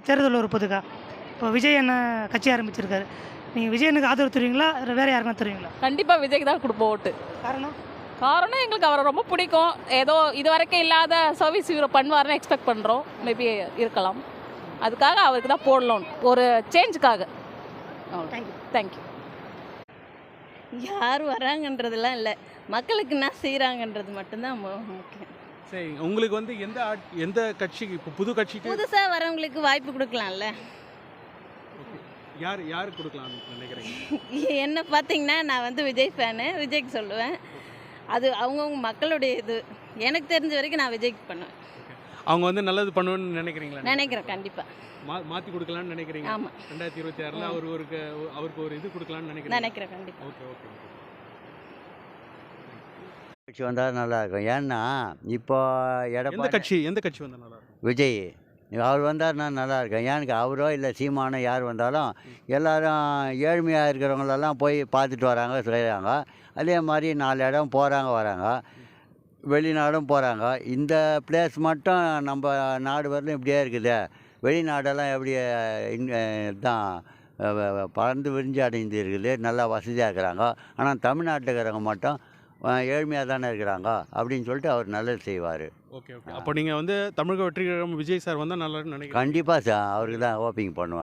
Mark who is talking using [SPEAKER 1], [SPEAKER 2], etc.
[SPEAKER 1] தேர்தல் ஒரு பொதுக்கா இப்போ விஜய் என்ன கட்சி ஆரம்பிச்சிருக்காரு, நீங்கள் விஜயனுக்கு ஆதரவு தருவீங்களா இல்லை வேறு யாருக்கும் தருவீங்களா?
[SPEAKER 2] கண்டிப்பாக விஜய்க்கு தான் கொடுப்போம் ஓட்டு.
[SPEAKER 1] காரணம்
[SPEAKER 2] எங்களுக்கு அவரை ரொம்ப பிடிக்கும். ஏதோ இது வரைக்கும் இல்லாத சர்வீஸ் இவரை பண்ணுவார்னு எக்ஸ்பெக்ட் பண்ணுறோம். மேபி இருக்கலாம். அதுக்காக அவருக்கு தான் போடலாம், ஒரு சேஞ்சுக்காக. தேங்க்யூ.
[SPEAKER 3] யார் வராங்கன்றதெல்லாம் இல்லை, மக்களுக்கு என்ன செய்கிறாங்கன்றது மட்டும்தான் முக்கியம்.
[SPEAKER 4] சரி, உங்களுக்கு வந்து எந்த கட்சிக்கு இப்போ புது கட்சிக்கு
[SPEAKER 3] புதுசாக வரவங்களுக்கு வாய்ப்பு கொடுக்கலாம்ல.
[SPEAKER 4] யார் கொடுக்கலாம்னு நினைக்கிறீங்க?
[SPEAKER 3] என்ன பார்த்தீங்கன்னா நான் வந்து விஜய் ஃபேனு, விஜய்க்கு சொல்லுவேன். அது அவங்கவுங்க மக்களுடைய இது. எனக்கு தெரிஞ்ச வரைக்கும் நான் விஜய்க்கு பண்ணுவேன்.
[SPEAKER 4] அவங்க வந்து நல்லது பண்ணுவேன்னு நினைக்கிறீங்களா?
[SPEAKER 3] நினைக்கிறேன் கண்டிப்பாக.
[SPEAKER 4] மாற்றி கொடுக்கலான்னு நினைக்கிறீங்க?
[SPEAKER 3] ஆமாம்.
[SPEAKER 4] 2026 அவருக்கு ஒரு இது கொடுக்கலான்னு
[SPEAKER 3] நினைக்கிறேன் கண்டிப்பாக.
[SPEAKER 4] Okay okay.
[SPEAKER 5] கட்சி வந்தால் நல்லாயிருக்கும். ஏன்னா இப்போ
[SPEAKER 4] எந்த கட்சி வந்தால் நல்லா இருக்கும்?
[SPEAKER 5] விஜய் அவர் வந்தார்னா நல்லாயிருக்கும். ஏன்னு அவரோ இல்லை சீமானோ யார் வந்தாலும் எல்லோரும் ஏழ்மையாக இருக்கிறவங்களெல்லாம் போய் பார்த்துட்டு வராங்க, செய்கிறாங்க. அதே மாதிரி 4 இடம் போகிறாங்க வராங்க, வெளிநாடும் போகிறாங்க. இந்த பிளேஸ் மட்டும் நம்ம நாடு வரலும் இப்படியே இருக்குது. வெளிநாடெல்லாம் எப்படி தான் பறந்து விரிஞ்சு அடைந்து இருக்குது, நல்லா வசதியாக இருக்கிறாங்க. ஆனால் தமிழ்நாட்டில் இருக்கிறவங்க மட்டும் ஏழ்மையாக தானே இருக்கிறாங்க அப்படின்னு சொல்லிட்டு அவர் நல்லது செய்வார்.
[SPEAKER 4] Okay okay. அப்போ நீங்கள் வந்து தமிழக வெற்றி கழகம் விஜய் சார் வந்தால் நல்லா நினைக்கிறேன்.
[SPEAKER 5] கண்டிப்பாக சார் அவருக்கு தான் ஓப்பிங் பண்ணுவேன்.